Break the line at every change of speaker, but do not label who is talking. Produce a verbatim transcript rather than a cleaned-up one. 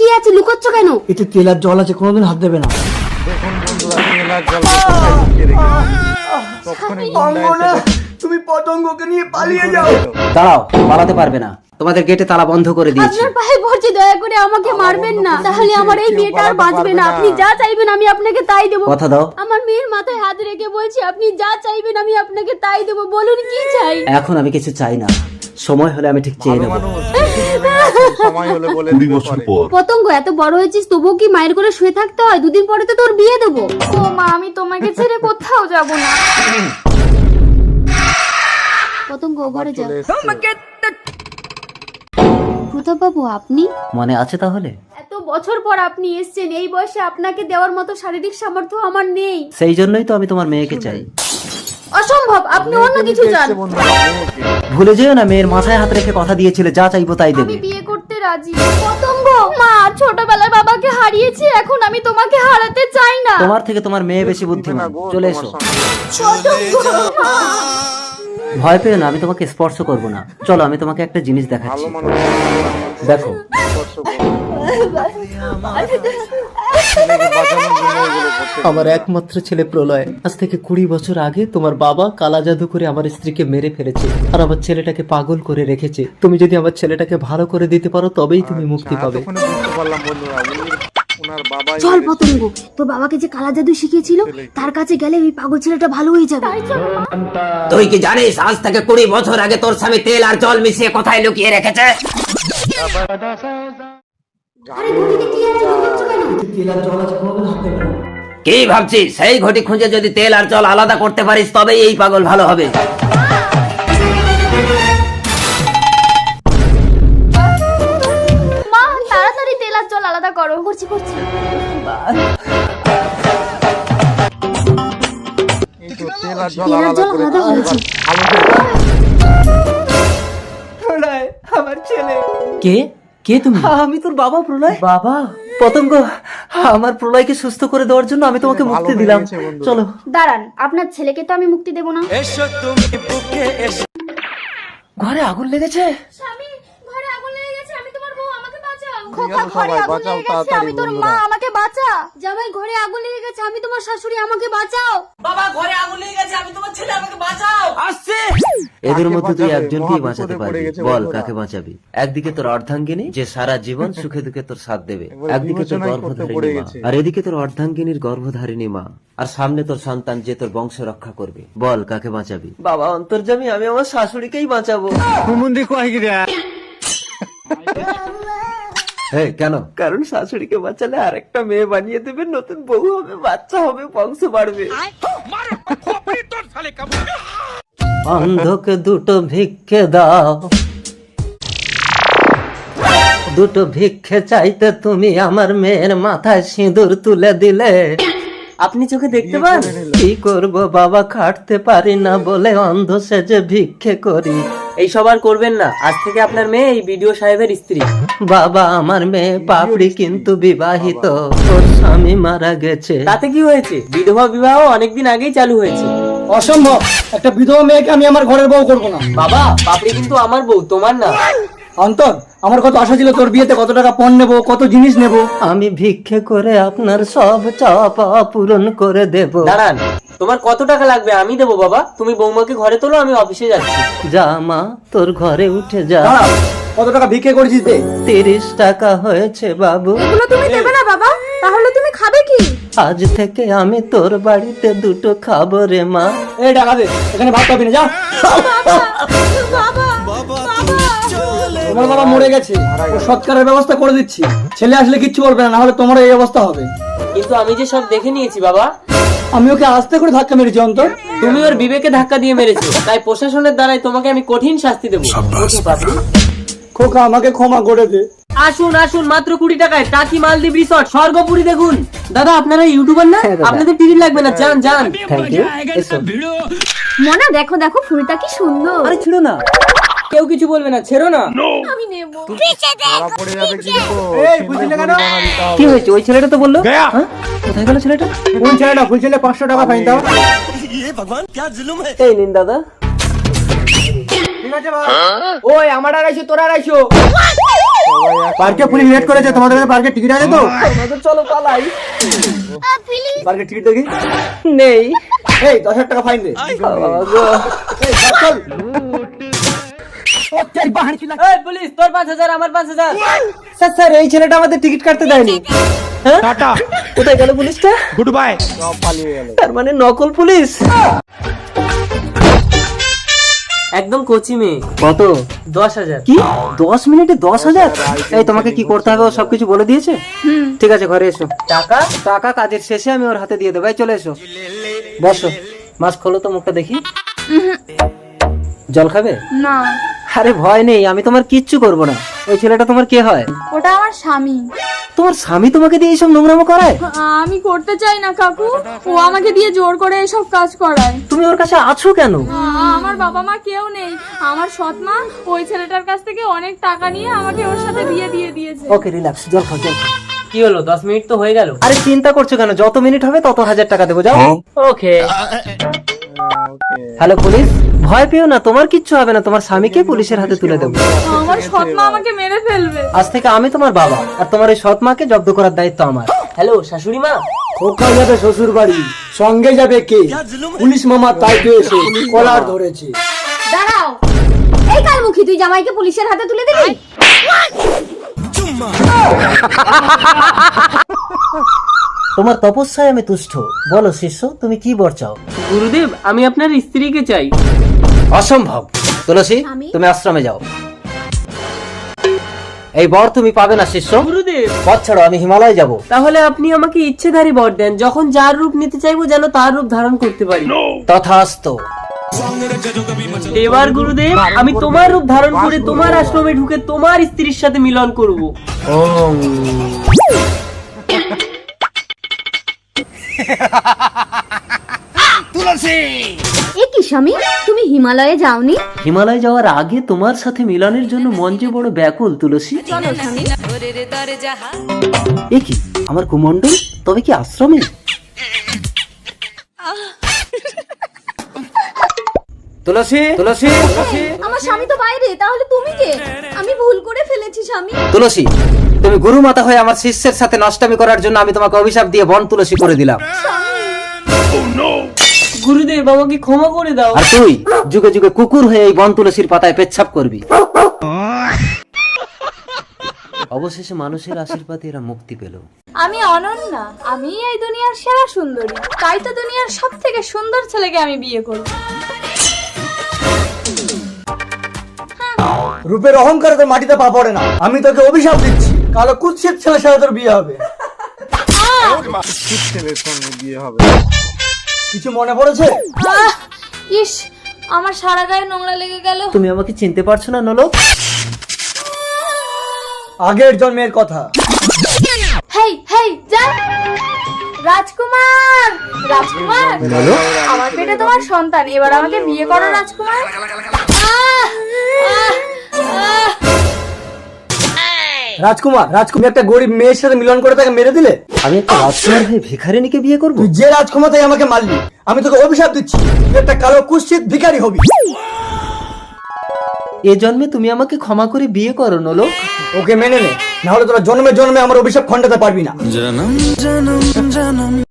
কি আছে, লুকোচ্ছ কেন?
এতে তেল আর জল আছে, কোনোদিন হাত দেবে না।
দেখুন বন্ধুরা, তেল আর জল কোথায় লুকিয়ে রেখেছি। তখনই গুন্ডা এসে
তুমি পতঙ্গকে নিয়ে পালিয়ে যাও।
দাঁড়াও, পালাতে পারবে না, তোমাদের গেটে তালা বন্ধ করে দিয়েছি।
আপনার পায়ে পড়ছি, দয়া করে আমাকে মারবেন না, তাহলে আমার এই মেয়েটা আর বাঁচবে না। আপনি যা চাইবেন আমি আপনাকে তাই দেবো।
কথা দাও।
আমার মেয়ের মাথায় হাত রেখে বলছি, আপনি যা চাইবেন আমি আপনাকে তাই দেবো। বলুন কি চাই?
এখন আমি কিছু চাই না, সময় হলে আমি ঠিক চেয়ে নেবো।
সময় হলে বলে দিবে পরে।
পতঙ্গ, এত বড় হয়েছিস তবুও কি মায়ের করে শুয়ে থাকতে হয়? দুদিন পরে তো তোর বিয়ে দেবো। ও মা, আমি তোমাকে ছেড়ে কোথাও যাব না। পতঙ্গ, ঘরে যাও। প্রতাপ বাবু, আপনি
মনে আছে তাহলে?
এত বছর পর আপনি এসেছেন, এই বয়সে আপনাকে দেওয়ার মতো শারীরিক সামর্থ্য আমার নেই।
সেই জন্যই তো আমি তোমার মেয়েকে চাই।
অসম্ভব, আপনি অন্য কিছু চান।
ভুলে যেও না, মেয়ের মাথায় হাত রেখে কথা দিয়েছিলে যা চাইবো তাই দেবে।
আমি বিয়ে করতে রাজি। পতঙ্গ, মা ছোটবেলায় বাবাকে হারিয়েছি, এখন আমি তোমাকে হারাতে চাই না।
তোমার থেকে তোমার মেয়ে বেশি বুদ্ধিমান। চলে এসো।
পতঙ্গ, মা।
ভয় পেও না, আমি তোমাকে স্পর্শ করব না। চলো, আমি তোমাকে একটা জিনিস দেখাচ্ছি। দেখো। আমার একমাত্র ছেলে প্রলয় আজ থেকে কুড়ি বছর আগে তোমার বাবা কালা জাদু করে আমার স্ত্রীকে মেরে ফেলেছে আর আমার ছেলেটাকে পাগল করে রেখেছে। তুমি যদি আমার ছেলেটাকে ভালো করে দিতে পারো তবেই তুমি মুক্তি পাবে।
চল পতঙ্গ, তোর বাবাকে যে কালা জাদু শিখিয়েছিল তার কাছে গেলে ওই পাগল ছেলেটা ভালো হয়ে যাবে।
তুই কি জানিস আজ থেকে কুড়ি বছর আগে তোর স্বামী তেল আর জল মিশিয়ে কোথায় লুকিয়ে রেখেছে?
আরে ঘটিতে কি আছে, লুকোচ্ছ কেন?
তেল আর জল আছে, কোনোদিন হাত দেবে না।
কি ভাবছিস? সেই ঘটি খুঁজে যদি তেল আর জল আলাদা করতে পারিস তবেই এই পাগল ভালো হবে।
মা, তাড়াতাড়ি তেল আর জল আলাদা করো। করছি করছি।
তেল আর জল
তেল আর
আলাদা
জল
করে
আলাদা হয়েছে।
প্রলয়, আমার ছেলে।
কে কে তুমি?
আমি তোর বাবা প্রলয়।
বাবা, পতঙ্গ, আমার প্রলয়কে সুস্থ করে দেওয়ার জন্য আমি তোমাকে মুক্তি দিলাম। চলো।
দাঁড়ান, আপনার ছেলেকে তো আমি মুক্তি দেব না।
ঘরে আগুন লেগেছে।
স্বামী, ঘরে আগুন লেগে গেছে, আমি তোমার বউ, আমাকে বাঁচাও।
খোকা, ঘরে আগুন লেগে গেছে, আমি তোর মা,
আমাকে বাঁচা। জামাই, ঘরে আগুন লেগে গেছে, আমি তোমার শাশুড়ি, আমাকে বাঁচাও।
বাবা, ঘরে আগুন লেগে গেছে, আমি তোমার ছেলে, আমাকে বাঁচাও।
আসছে। এদের মধ্যে তুই একজনকেই
মহা
বাঁচাতে
বিপদে পড়ে
পারবি।
গেছে
বল
বন্ধুরা।
কাকে বাঁচাবি? একদিকে তোর অর্ধাঙ্গিনী যে সারা জীবন সুখে দুঃখে তোর সাথ দেবে,
একবারে
একদিকে তোর
বিবেচনাই করতে পড়ে
গর্ভধারিণী মা,
গেছে।
আর এদিকে তোর অর্ধাঙ্গিনীর গর্ভধারিণী মা, আর সামনে তোর সন্তান যে তোর বংশ রক্ষা করবে। বল কাকে বাঁচাবি? বাবা অন্তর্যামী, আমি আমার শাশুড়িকেই বাঁচাবো। হ্যাঁ, কেন? কারণ শাশুড়িকে বাঁচালে আরেকটা মেয়ে বানিয়ে দেবে, নতুন বউ হবে, বাচ্চা হবে, বংশ বাড়বে। অন্ধকে দুটো ভিক্ষে দাও, দুটো ভিক্ষে চাইতে তুমি আমার মেয়ের মাথায় সিঁদুর তুলে দিলে। আপনি চোখে দেখতে পান? কি করব বাবা, খাটতে পারি না বলে অন্ধ সেজে ভিক্ষে করি।
এই সব আর করবেন না, আজ থেকে আপনার মেয়ে এই বিডিও সাহেবের স্ত্রী।
বাবা, আমার মেয়ে পাপড়ি কিন্তু বিবাহিত, ওর স্বামী মারা গেছে।
তাতে কি হয়েছে? বিধবা বিবাহ অনেকদিন আগেই চালু হয়েছে।
অসম্ভব, একটা বিধবা মেয়েকে আমি আমার ঘরের বউ করবো না।
বাবা, পাপড়ি কিন্তু আমার বউ, তোমার না।
অন্তর, আমার কত আশা ছিল তোর বিয়েতে কত টাকা পণ নেবো, কত জিনিস নেবো।
আমি ভিক্ষে করে আপনার সব চাওয়া পাওয়া পূরণ করে দেব।
দাঁড়ান, তোমার কত টাকা লাগবে আমি দেবো বাবা। তুমি বৌমাকে ঘরে তোলো, আমি অফিসে যাচ্ছি।
যা মা, তোর ঘরে উঠে যা।
দাঁড়াও, কত টাকা ভিক্ষে করেছিস দে।
তিরিশ টাকা হয়েছে বাবু।
এগুলো তুমি দেবে না বাবা? তাহলে তুমি খাবে কি?
আজ থেকে আমি তোর বাড়িতে দুটো খাবো রে মা।
এই টাকা দে, এখানে ভাত পাবি না, যা।
বাবা,
তোমার বাবা মরে গেছে, ও সৎকারের ব্যবস্থা করে দিচ্ছি। ছেলে আসলে কিচ্ছু বলবে না, নাহলে তোমার এই অবস্থা হবে।
কিন্তু আমি যে সব দেখে নিয়েছি বাবা।
আমি ওকে আস্তে করে ধাক্কা মেরেছি অন্তর।
তুমি ওর বিবেকে ধাক্কা দিয়ে মেরেছো, তাই প্রশাসনের দ্বারাই তোমাকে আমি কঠিন শাস্তি দেবো। ওঠো পাপড়ি।
খোকা, আমাকে ক্ষমা করে দে।
আসুন আসুন, মাত্র কুড়ি টাকায় টাকি মালদ্বীপ রিসর্ট স্বর্গপুরি দেখুন। দাদা, আপনারা ইউটিউবার না?
হ্যাঁ দাদা।
আপনাদের টিকিট লাগবে না, যান যান।
Thank you. এসো।
মনা, দেখো দেখো ফুলটা কি সুন্দর।
আরে ছিল না।
কেউ কিছু বলবে না, ছেড়ো না।
আমি নেব।
ধরা পড়ে যাবে কিন্তু।
এই, বুঝলি না কেন?
কি হয়েছে? ওই ছেলেটা তো বললো। হ্যাঁ? কোথায় গেল ছেলেটা?
কোন ছেলেটা? ফুল ছেলে পাঁচশো টাকা ফাইন দাও।
এই নিন দাদা।
ঠিক আছে বাবা। ওই আমার আড়াইশো, তোর আড়াইশো।
পার্কে পুলিশ রেড করেছে, তোমাদের কাছে পার্কের টিকিট আছে তো?
আমাদের চলো পালাই। পার্কের টিকিট দেখি।
নেই।
এই দশ হাজার টাকা ফাইন দে। এই, চল, চল।
এই পুলিশ, তোর পাঁচ হাজার আমার পাঁচ হাজার।
স্যার স্যার এই ছেলেটা আমাদের টিকিট কাটতে দেয়নি। হ্যাঁ
টাটা,
কোথায় গেল পুলিশটা?
Good bye.
তার মানে নকল পুলিশ।
একদম কোচি মেয়ে।
কত?
দশ হাজার।
কি দশ মিনিটে দশ হাজার? এই তোমাকে কি করতে হবে ও সবকিছু বলে দিয়েছে? ঠিক আছে ঘরে এসো।
টাকা?
টাকা কাজের শেষে আমি ওর হাতে দিয়ে দেবো। এই চলে এসো, বসো। মাস্ক খোলো তো, মুখটা দেখি। জল খাবে?
না,
আরে ভয় নেই, আমি তোমার কিচ্ছু করবো না। ওই ছেলেটা তোমার কে হয়?
ওটা আমার স্বামী।
তোমার স্বামী তোমাকে দিয়ে এইসব নোংরামো করায়?
আমি করতে চাই না কাকু, ও আমাকে দিয়ে জোর করে এসব কাজ করায়।
তুমি ওর কাছে আছো কেন?
আ- আমার বাবা মা কেউ নেই, আমার সৎ মা ওই ছেলেটার কাছ থেকে অনেক টাকা নিয়ে আমাকে ওর সাথে বিয়ে দিয়ে দিয়েছে।
ওকে রিল্যাক্স, জল খাও জল খাও।
কি হলো, দশ মিনিট তো হয়ে গেল।
আরে চিন্তা করছো কেন? যত মিনিট হবে তত হাজার টাকা দেবো, যাও।
ওকে।
হ্যালো পুলিশ, ভয় পেও না, তোমার কিচ্ছু হবে না। তোমার স্বামীকে পুলিশের হাতে তুলে দেবো।
আমার সৎ মা আমাকে মেরে ফেলবে।
আজ থেকে আমি তোমার বাবা, আর তোমার এই সৎ মাকে জব্দ করার দায়িত্ব আমার।
হ্যালো শাশুড়ি মা।
খোকা যাবে শ্বশুর বাড়ি, সঙ্গে যাবে কে? পুলিশ মামা, তাই তো এসে কলার ধরেছে।
দাঁড়াও, এই কালমুখী, তুই জামাইকে পুলিশের হাতে তুলে দিবি?
তোমার তপস্যায় আমি তুষ্ট। বলো শিষ্য, তুমি কি বর চাও?
গুরুদেব, আমি আপনার স্ত্রীকে চাই।
অসম্ভব। তুলসী,
আমি?
তুমি আশ্রমে যাও। এই বর তুমি পাবে না শিষ্য।
গুরুদেব,
পথ ছাড়ো, আমি হিমালয় যাব।
তাহলে আপনি আমাকে ইচ্ছেধারী বর দেন, যখন যার রূপ নিতে চাইবো যেন তার রূপ ধারণ করতে পারি।
তথাস্তু।
এবার গুরুদেব, আমি তোমার রূপ ধারণ করে তোমার আশ্রমে ঢুকে তোমার স্ত্রীর সাথে মিলন করব।
এ কি স্বামী, তুমি হিমালয়ে যাওনি?
হিমালয় যাওয়ার আগে তোমার সাথে মিলনের জন্য মন যে বড় ব্যাকুল তুলসী। এ কি আমার কুমন্ডল, তবে কি আশ্রমে? তুলসী, তুলসী,
আমার স্বামী তো বাইরে, তাহলে তুমি কে? আমি ভুল করে ফেলেছি স্বামী।
তুলসী, তুমি গুরু মাতা হয়ে আমার শিষ্যের সাথে নষ্টামি করার জন্য আমি তোমাকে অভিশাপ দিয়ে বন তুলসী করে দিলাম।
গুরুদেব, আমাকে ক্ষমা করে দাও।
আর তুই যুগে যুগে কুকুর হয়ে এই বন তুলসীর পাতায় পেচ্ছাপ করবি। অবশেষে মানুষের আশীর্বাদে এরা মুক্তি পেল।
আমি অনন্যা, আমি এই দুনিয়ার সেরা সুন্দরী, তাই তো দুনিয়ার সব থেকে সুন্দর ছেলেকে আমি বিয়ে করব।
রূপের অহংকারে তোর মাটিতে পা পড়ে না। আমি তোকে অভিশাপ দিচ্ছি, কালো কুৎসিত ছেলের সাথে তোর বিয়ে হবে।
ছেলের সঙ্গে বিয়ে হবে।
কিছু মনে পড়েছে?
আহ, ইস, আমার সারা গায়ে নোংরা লেগে গেল।
তুমি আমাকে চিনতে পারছো না নলক?
আগের জন্মের কথা।
হেই হেই, যা। রাজকুমার, রাজকুমার, আমার পেটে তোমার সন্তান, এবার আমাকে বিয়ে করো রাজকুমার। আহ, আহ, আহ।
রাজকুমার, রাজকুমার একটা গরিব মেয়ের সাথে মিলন করে তাকে মেরে দিলে।
আমি একটা রাজকুমার হয়ে ভিখারিনীকে বিয়ে করব?
তুই যে রাজকুমারটাই আমাকে মারলি, আমি তোকে অভিশাপ দিচ্ছি, তুই একটা কালো কুৎসিত ভিখারি হবি।
এ জন্মে তুমি আমাকে ক্ষমা করে বিয়ে করো নলক।
ওকে মেনে নে, না হলে তোরা জন্মে জন্মে আমার অভিশাপ খণ্ডাতে পারবি না।